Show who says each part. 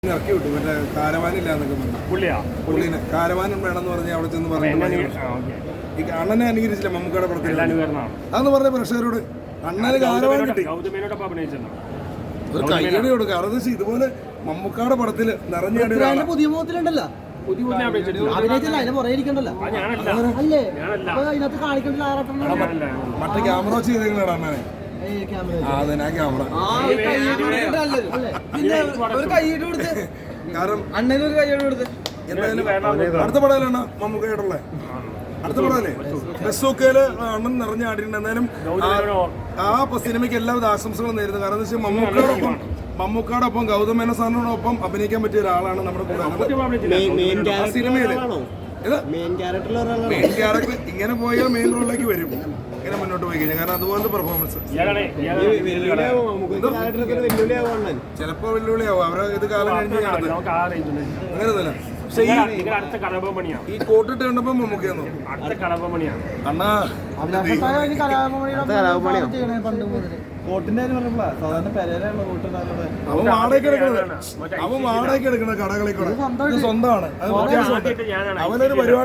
Speaker 1: ഇറക്കി വിട്ടു മറ്റേ കാരവാനില്ല എന്നൊക്കെ പറഞ്ഞു പുള്ളിനെ കാരവാനും വേണമെന്ന് പറഞ്ഞ് അവിടെ ചെന്ന് പറഞ്ഞു ഈ അണ്ണനെ അനുകരിച്ചില്ല മമ്മൂക്കയുടെ പടത്തിൽ അതെന്ന് പറഞ്ഞ പ്രേക്ഷകരോട് അണ്ണന് കാരവാൻ കിട്ടി ഒരു കയ്യടി കൊടുക്കുക അതെന്ന് വെച്ചാൽ ഇതുപോലെ മമ്മൂക്കയുടെ പടത്തിൽ നിറഞ്ഞാടി
Speaker 2: പുതിയ മുഖത്തിലുണ്ടല്ലോ
Speaker 1: മറ്റേ ക്യാമറ വെച്ച് ചെയ്തേക്കണ അണ്ണനെ അതെ ആ ക്യാമറ കാരണം
Speaker 2: അണ്ണനൊരു കയ്യോട് കൊടുത്ത്
Speaker 1: എന്തായാലും അടുത്ത പടയിലാണ് മമ്മൂക്കയായിട്ടുള്ള അടുത്ത പടമല്ലേ ബസ്സൊക്കെയില് അണ്ണൻ നിറഞ്ഞാടിയിട്ടുണ്ട്. എന്തായാലും ആ സിനിമയ്ക്ക് എല്ലാവിധ ആശംസകളും നേരുന്നു. കാരണം എന്താ വെച്ചാൽ മമ്മൂക്കയുടെ ഒപ്പം ഗൗതം മേനോൻ സാറിനോടൊപ്പം അഭിനയിക്കാൻ പറ്റിയ ഒരാളാണ് നമ്മുടെ കൂടെ സിനിമയില്. മെയിൻ ക്യാരക്ടർ ഇങ്ങനെ പോയാൽ മെയിൻ റോളിലേക്ക് വരും ഇങ്ങനെ മുന്നോട്ട് പോയി കഴിഞ്ഞാൽ. കാരണം അതുപോലത്തെ പെർഫോമൻസ് ചിലപ്പോ വെല്ലുവിളിയാവും. അവരെ ഇത് കാലം കഴിഞ്ഞ് അങ്ങനെയൊന്നുമല്ല. പക്ഷെ ഈ കോട്ടിട്ട് കണ്ടപ്പോ മമ്മൂക്കയെന്നു അണ്ണാ
Speaker 2: കോട്ടിന്റെ സാധാരണ പെരയിലാണ് കോട്ടുണ്ടാകുന്നത്.
Speaker 1: അവൻ വാടകയ്ക്ക് എടുക്കണത് കടകളിൽ കൂടെ സ്വന്തമാണ്. അവനൊരു പരിപാടി